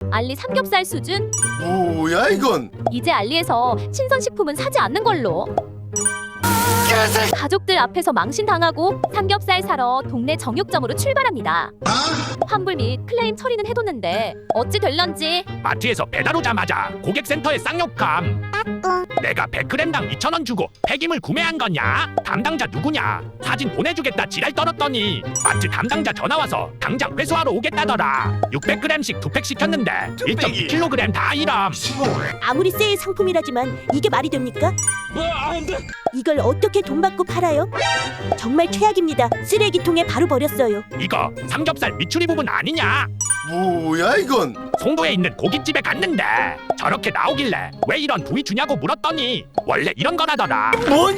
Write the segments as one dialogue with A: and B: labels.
A: 알리 삼겹살 수준?
B: 뭐야 이건?
A: 이제 알리에서 신선식품은 사지 않는 걸로. 가족들 앞에서 망신당하고 삼겹살 사러 동네 정육점으로 출발합니다. 환불 및 클레임 처리는 해뒀는데 어찌 될런지.
C: 마트에서 배달 오자마자 고객센터에 쌍욕함. 내가 100g당 2,000원 주고 폐기물 구매한 거냐? 담당자 누구냐? 사진 보내주겠다 지랄 떨었더니 마트 담당자 전화와서 당장 회수하러 오겠다더라. 600g씩 2팩 시켰는데 1.2kg 다 이람.
D: 아무리 세일 상품이라지만 이게 말이 됩니까? 이걸 어떻게 돈 받고 팔아요? 정말 최악입니다. 쓰레기통에 바로 버렸어요.
C: 이거 삼겹살 미추리 부분 아니냐?
B: 뭐야 이건?
C: 송도에 있는 고깃집에 갔는데 저렇게 나오길래 왜 이런 부위 주냐고 물었더니 원래 이런 거라더라.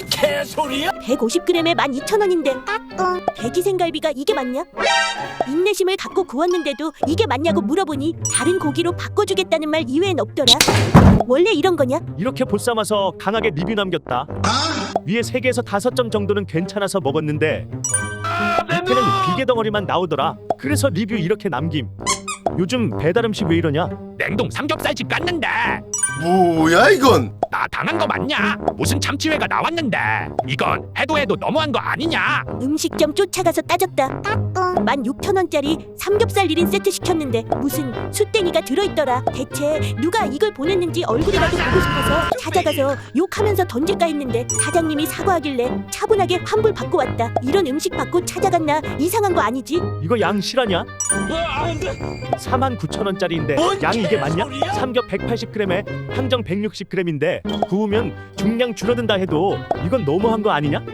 D: 150g에 12,000원인데 돼지생갈비가 이게 맞냐? 인내심을 갖고 구웠는데도 이게 맞냐고 물어보니 다른 고기로 바꿔주겠다는 말 이외엔 없더라. 원래 이런 거냐?
E: 이렇게 보쌈아서 강하게 리뷰 남겼다. 위에 3개에서 5점 정도는 괜찮아서 먹었는데 밑에는 비계 덩어리만 나오더라. 그래서 리뷰 이렇게 남김. 요즘 배달 음식 왜 이러냐?
C: 냉동 삼겹살집 갔는데
B: 뭐야 이건?
C: 나 당한 거 맞냐? 무슨 참치회가 나왔는데 이건 해도 너무한 거 아니냐?
D: 음식점 쫓아가서 따졌다. 16,000원짜리 삼겹살 1인 세트 시켰는데 무슨 숯댕이가 들어있더라. 대체 누가 이걸 보냈는지 얼굴이라도 보고 싶어서 찾아가서 욕하면서 던질까 했는데 사장님이 사과하길래 차분하게 환불 받고 왔다. 이런 음식 받고 찾아갔나? 이상한 거 아니지?
E: 이거 양 실화냐? 49,000원짜리인데 양이 이게 맞냐? 삼겹 180g에 항정 160g인데 구우면 중량 줄어든다 해도 이건 너무한 거 아니냐?